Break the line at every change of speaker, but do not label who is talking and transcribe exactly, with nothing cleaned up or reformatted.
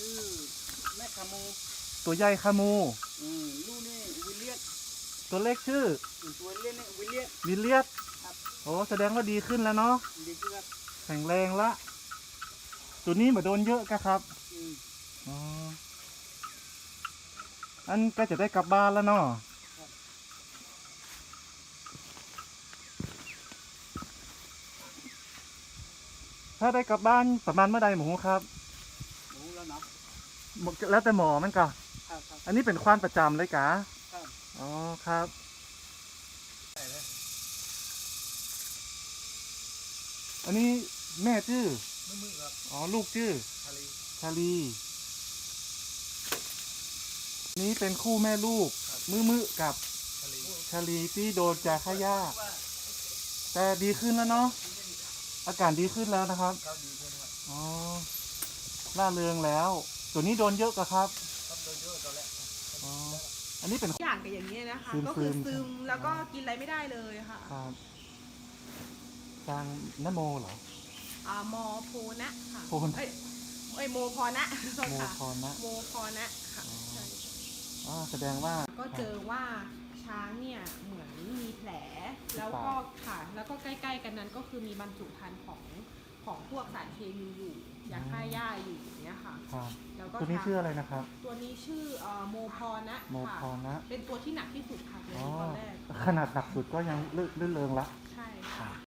ชื่อแม่คามู
ตัวใหญ่คามู
อืมลูกนี่วิลเลียต
ตัวเล็กชื่อ
ตัวเล็กนี่วิลเลียต
วิลเลียต
ครับ
โอ้แสดงว่าดีขึ้นแล้วเนาะ
ดีขึ้นครับ
แข็งแรงละตัวนี้มาโดนเยอะกะครับ
อืม
อ๋ออันก็จะได้กลับบ้านแล้วเนาะถ้าได้กลับบ้านประมาณเมื่อใดหมูครับ
หมูแล้วเนาะ
แล้วแต่หมอมันก็
ครับครับ
อันนี้เป็นควานประจำเลยกะ
ครับ
อ๋อครับอันนี้แม่ชื่อ
มือมือครับ
อ๋อลูกชื่อ
ชาลี
ชาลีนี้เป็นคู่แม่ลูกมือมือกับ
ชาลี
ชาลีที่โดนจากขย่าแต่ดีขึ้นแล้วเนาะอาการดีขึ้นแล้วนะครับ
ครับดีขึ้นครับ
อ๋อล่าเริงแล้วตัวนี้โดนเยอะกะครับ
ครับโดนเยอะตอนแรก
อ๋ออันนี้เป็น
อย่างกับอย่างนี้นะคะ
ซึมๆ
ก็คือซึมแล้วก็กินอะไรไม่ได้เลยค่ะ
ครับทางนโมเหรอ
อ่ามอโพนะค่ะ
โพนะ
เอ้ยเอ้ยโมพอนะโทษ
โม
ค่ะ
พรนะ
โมพอนะค่ะใช่
อ๋อแสดงว่า
ก็เจอว่าช้างเนี่ยเหมือนมีแผลแล้วก็ค่ะแล้วก็ใกล้ๆกันนั้นก็คือมีบรรจุภัณฑ์ของของพวกสารเคมีอยู่ยาฆ่าหญ้าอยู่อย่างเงี้ยค่ะ
ครับ
แล้วก็
ตัวนี้ชื่ออะไรนะครับ
ตัวนี้ชื่อเอ่อโมพอนะ
โมพรนะ
เป็นตัวที่หนักที่สุดค่ะในตอนแรก
ขนาดหนักสุดก็ยังลื่นเริงละ
ใช่ค่ะ